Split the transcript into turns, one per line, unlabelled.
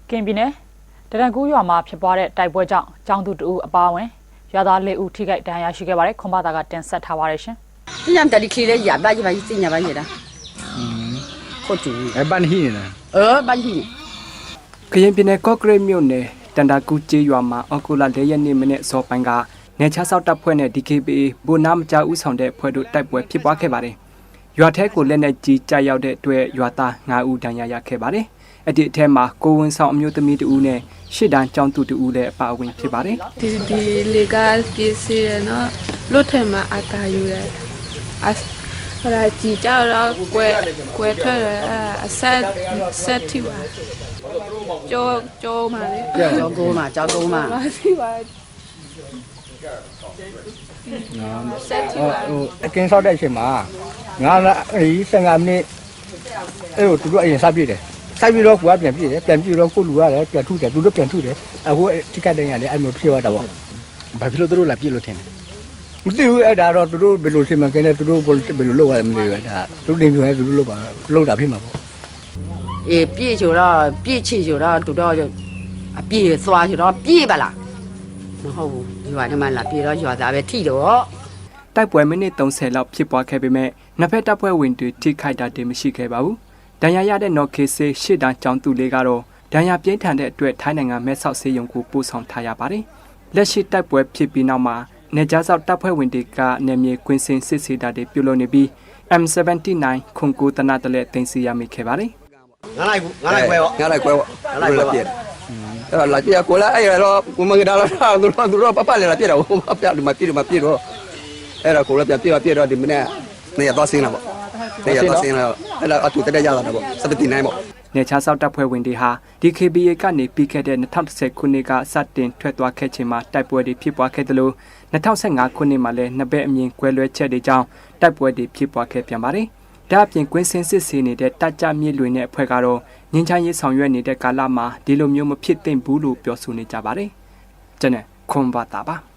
ကင်ပြည်နယ်တရန်ကူးရွာမှာဖြစ်ပွားတဲ့တိုက်ပွဲကြောင့်ကျောင်းသူတဦးအပါအဝင်ရွာသား၄ဦးထိခိုက်ဒဏ်ရာရှိခဲ့ပါတယ်ခွန်ဘာသာကတင်ဆက်ထားပါတယ်ရှင်
။ညံတလီခီလေးရပါကြီးပါကြီးညပါကြီးလား။ခုတ်တူ
။ပန်းဟိနေလား
။ပန်းဟိ
။ကရင်ပြည်နယ်ကော့ကရိတ်မြို့နယ်တန်တာကူကျေးရွာမှာအော်တိုလာ၄ရက်နေ့မနေ့စောပိုင်းကနေချဆောက်တပ်ဖွဲ့နဲ့ DKBA ဘူနာမကြောက်ဦးဆောင်တဲ့ဖွဲ့တို့တိုက်ပွဲဖြစ်ပွားခဲ့ပါတယ်။ရွာထဲကိုလက်နက်ကြီးကြားရောက်တဲ့အတွက်ရွာသား9ဦးဒဏ်ရာရခဲ့ပါတယ်။အဲ့ဒီအထက်မှာကိုဝင်းဆောင်အမျိုးသမီးတဦးနဲ့ရှစ်တန်းကျောင်းသူတဦးလည်းအပါအဝင်ဖြစ်ပါတယ်
။ဒီလေကပစ္စည်းရနော်လွတ်ထဲမှာအတားယူရဟိုလာကြည့်ကြတော့ကွယ်ထွက်ရအဆက်ထိပါကြောမှာလေ
ကြောကိုမှာ
မသိပါ
ဆက်ထိပါအကင်းဆောက်တဲ့အချိန်မှာငါ15မိနစ်အဲ့ကိုသူတို့အရင်စပြည့်တယ်စိုက်ပြီးတော့ကိုကပြန်ပြည့်တယ်ပြန်ပြည့်တော့ကိုလူရတယ်ပြန်ထုတယ်သူတို့ပြန်ထုတယ်အခုတိကတ်တိုင်းရတယ်အဲ့လိုဖြစ်သွားတာပေါ့ဘာဖြစ်လို့သူတို့လာပြည့်လို့ထင်တယ်မသိဘူးအဲ့ဒါတော့သူတို့ဘယ်လိုရှင်းမှကဲနေသူတို့ဘယ်လိုလုပ်ရမလဲဒါသူတို့တင်ပြရဲသူတို့လုပ်တာဖြစ်မှာပေါ့
ပြည့်ချိုတော့ပြည့်ချီချိုတော့သူတို့အပြည့်သွားချိုတော့ပြည့်ပါလားမဟုတ်ဘူးရွာထဲမှာလာပြည့်တော့ရွာသားပဲထိတော့
တိုက်ပွဲမိနစ်30လောက်ဖြစ်ပွားခဲ့ပေမဲ့နှစ်ဖက်တပ်ဖွဲ့ဝင်တွေထိခိုက်တာတည်းမရှိခဲ့ပါဘူးဒဏ်ရာရတဲ့နော်ခေဆေးရှစ်တန်းကျောင်းသူလေးကတော့ဒဏ်ရာပြင်းထန်တဲ့အတွက်ထိုင်းနိုင်ငံမဲဆောက်ဆေးရုံကိုပို့ဆောင်ထားရပါတယ်လက်ရှိတိုက်ပွဲဖြစ်ပြီးနောက်မှာနေကြားဆောက်တပ်ဖွဲ့ဝင်တွေကနယ်မြေကွင်းစင်စစ်ဆေးတာတွေပြုလုပ်နေပြီး M79 ခုံကိုတနတလဲတင်စီရမိခဲ့ပါတယ်
ငါလိုက်ခွဲပေါ့
ငါလိုက်ခွဲပြည့်အဲ့တော့လာပြကိုလာအဲ့တော့ကိုမကဒါတော့သူတို့ပပလည်းလာပြတော့ပြတယ်မပြည့်တော့အဲ့တော့ကိုလာပြတော့ဒီမနေ့နေရတော့ဆင်းလာပေါ့နေရတော့ဆင်းလာအဲ့တော့အတူတက်ရလာတော့ပေါ့79ပေါ့
နေချာဆောက်တပ်ဖွဲ့ဝင်တွေဟာ DKBA ကနေပြီးခဲ့တဲ့2010ခုနှစ်ကစတင်ထွက်သွားခဲ့ချိန်မှာတိုက်ပွဲတွေဖြစ်ပွားခဲ့တယ်လို့2015ခုနှစ်မှာလည်းနှစ်ဘက်အမြင်ကွဲလွဲချက်တွေကြောင့်တိုက်ပွဲတွေဖြစ်ပွားခဲ့ပြန်ပါတယ်။ဒါအပြင်ကွင်းစင်စစ်ဆေးနေတဲ့တပ်ကြမြစ်လွင်တဲ့အဖွဲ့ကတော့ငင်းချရေးဆောင်ရွက်နေတဲ့ကာလမှာဒီလိုမျိုးမဖြစ်သင့်ဘူးလို့ပြောဆိုနေကြပါတယ်။ကျွန်တော်ခွန်ဘာတာပါ။